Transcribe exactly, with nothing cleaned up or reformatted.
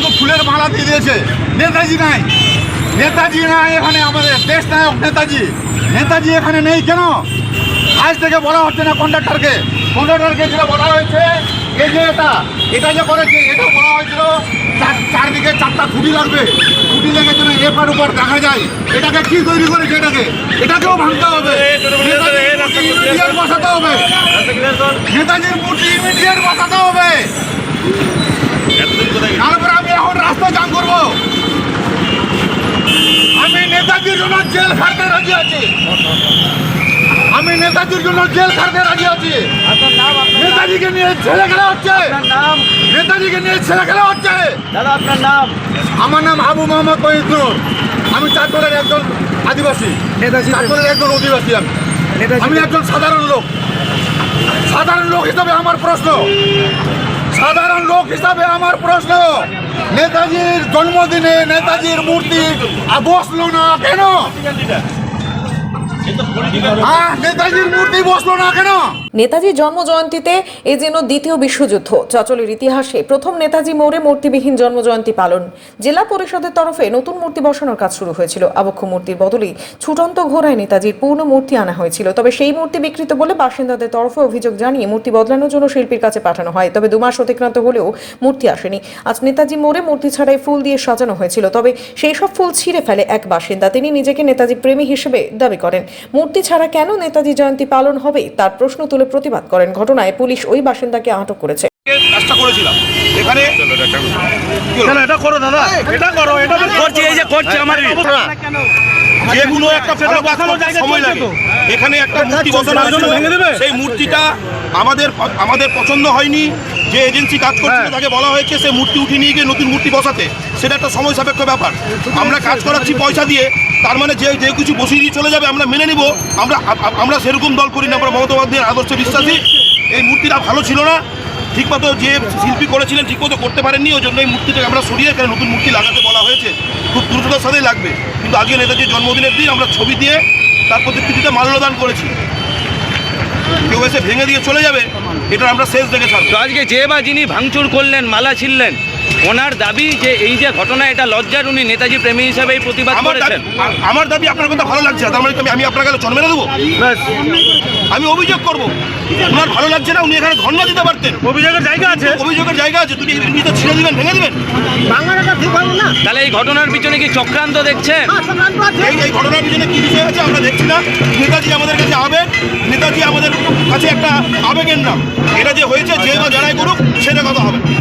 শুধু ফুলের মালা দিয়ে দিয়েছে। নেতাজি নাই, নেতাজি নাই এখানে, আমাদের দেশ নায়ক নেতাজি। নেতাজি এখানে নেই কেন? আজ থেকে বলা হচ্ছে না কন্ডাক্টরকে, কন্ডাক্টরকে যেটা বলা হয়েছে, এই যে এটা এটা যে করেছে, এটা বলা হয়েছিল চারদিকে চারটা খুঁটি লাগবে, খুঁটি লেগে যেন এপার উপর দেখা যায়। এটাকে কি তৈরি করেছে? এটাকে এটাকেও ভাঙতে হবে, ইমিডিয়েট বসাতে হবে, নেতাজির মূর্তি ইমিডিয়েট বসাতে হবে। তারপরে আমি এখন রাস্তা জাম করবো। আমি নেতাজির জন্য জেল খাটতে রাজি আছি, আমি নেতাজির জন্য জেল খাটতে রাজি আছি। নেতাজিকে নিয়ে ছেলে খেলা হচ্ছে, নেতাজিকে নিয়ে ছেলে খেলা হচ্ছে। দাদা আপনার নাম? আমার নাম আবু মোহাম্মদ মহিউদ্দিন। আমি চাঁদপুরের একজন আদিবাসী, চাঁদপুরের একজন অধিবাসী। আমি আমি একজন সাধারণ লোক। সাধারণ লোক হিসাবে আমার প্রশ্ন, সাধারণ লোক হিসাবে আমার প্রশ্ন, নেতাজির জন্মদিনে নেতাজির মূর্তি বসলো না কেন? হ্যাঁ, নেতাজির মূর্তি বসলো না কেন? নেতাজির জন্ম জয়ন্তীতে এ যেন দ্বিতীয় বিশ্বযুদ্ধ। চচলের ইতিহাসে প্রথম নেতাজি মোড়ে মূর্তিবিহীন জন্ম জয়ন্তী পালন। জেলা পরিষদের তরফে নতুন মূর্তি বসানোর কাজ শুরু হয়েছিল। আবক্ষ মূর্তির বদলে ছুটন্ত ঘোড়ায় নেতাজির পূর্ণ মূর্তি আনা হয়েছিল। তবে সেই মূর্তি বিকৃত বলে বাসিন্দাদের তরফে অভিযোগ জানিয়ে মূর্তি বদলানোর জন্য শিল্পীর কাছে পাঠানো হয়। তবে দু মাস অতিক্রান্ত হলেও মূর্তি আসেনি। আজ নেতাজি মোড়ে মূর্তি ছাড়াই ফুল দিয়ে সাজানো হয়েছিল। তবে সেই সব ফুল ছিঁড়ে ফেলে এক বাসিন্দা। তিনি নিজেকে নেতাজি প্রেমী হিসেবে দাবি করেন। মূর্তি ছাড়া কেন নেতাজি জয়ন্তী পালন হবে তার প্রশ্ন তুলে প্রতিবাদ করেন। ঘটনায় পুলিশ ওই বাসিন্দাকে আটক করেছে। কাজটা করেছিলাম এখানে, এটা করো দাদা, এটা করো, এটা করছি, এই যে করছি আমার যেগুলো একটা সময় লাগে। এখানে একটা মূর্তি বসানো হয়েছিল, সেই মূর্তিটা আমাদের আমাদের পছন্দ হয়নি। যে এজেন্সি কাজ করছিল তাকে বলা হয়েছে সে মূর্তি উঠিয়ে নিয়ে গিয়ে নতুন মূর্তি বসাতে। সেটা একটা সময় সাপেক্ষ ব্যাপার। আমরা কাজ করাচ্ছি পয়সা দিয়ে, তার মানে যে যে কিছু বসিয়ে দিয়ে চলে যাবে আমরা মেনে নিব। আমরা আমরা সেরকম দল করি না, আমরা মমতা বন্দ্যোপাধ্যায়ের আদর্শে বিশ্বাসী। এই মূর্তিটা ভালো ছিল না, ঠিকমতো যে শিল্পী করেছিলেন ঠিকমতো করতে পারেননি, ওই জন্য এই মূর্তিটাকে আমরা সরিয়ে এখানে নতুন মূর্তি লাগাতে বলা হয়েছে। খুব দ্রুততার সাথেই লাগবে। কিন্তু আজকে নেতাজির জন্মদিনের দিন আমরা ছবি দিয়ে তার প্রতিকৃতিতে মাল্যদান করেছি। কেউ এসে ভেঙে দিয়ে চলে যাবে, এটা আমরা শেষ দেখে ছাড়বো। তো আজকে যে বা যিনি ভাঙচুর করলেন, মালা ছিললেন, ওনার দাবি যে এই যে ঘটনা, এটা লজ্জার, উনি নেতাজি প্রেমী হিসাবে এই প্রতিবাদ করেছেন। আমার দাবি আপনার কথা ভালো লাগছে, তার মানে আমি আপনার কাছে জন্মে দেবো? আমি অভিযোগ করবো। ওনার ভালো লাগছে না, উনি এখানে ধর্ণা দিতে পারতেন। অভিযোগের জায়গা আছে, অভিযোগের জায়গা আছে। তুমি এমনিতে ছিঁড়ে দিবেন, ভেঙে দিবেন? তাহলে এই ঘটনার পিছনে কি চক্রান্ত দেখছেন? এই এই ঘটনার পিছনে কি বিষয় আছে আমরা দেখছি না। নেতাজি আমাদের কাছে আবেগ, নেতাজি আমাদের কাছে একটা আবেগের নাম। এটা যে হয়েছে যে বা যারাই করুক সেটা কথা হবে।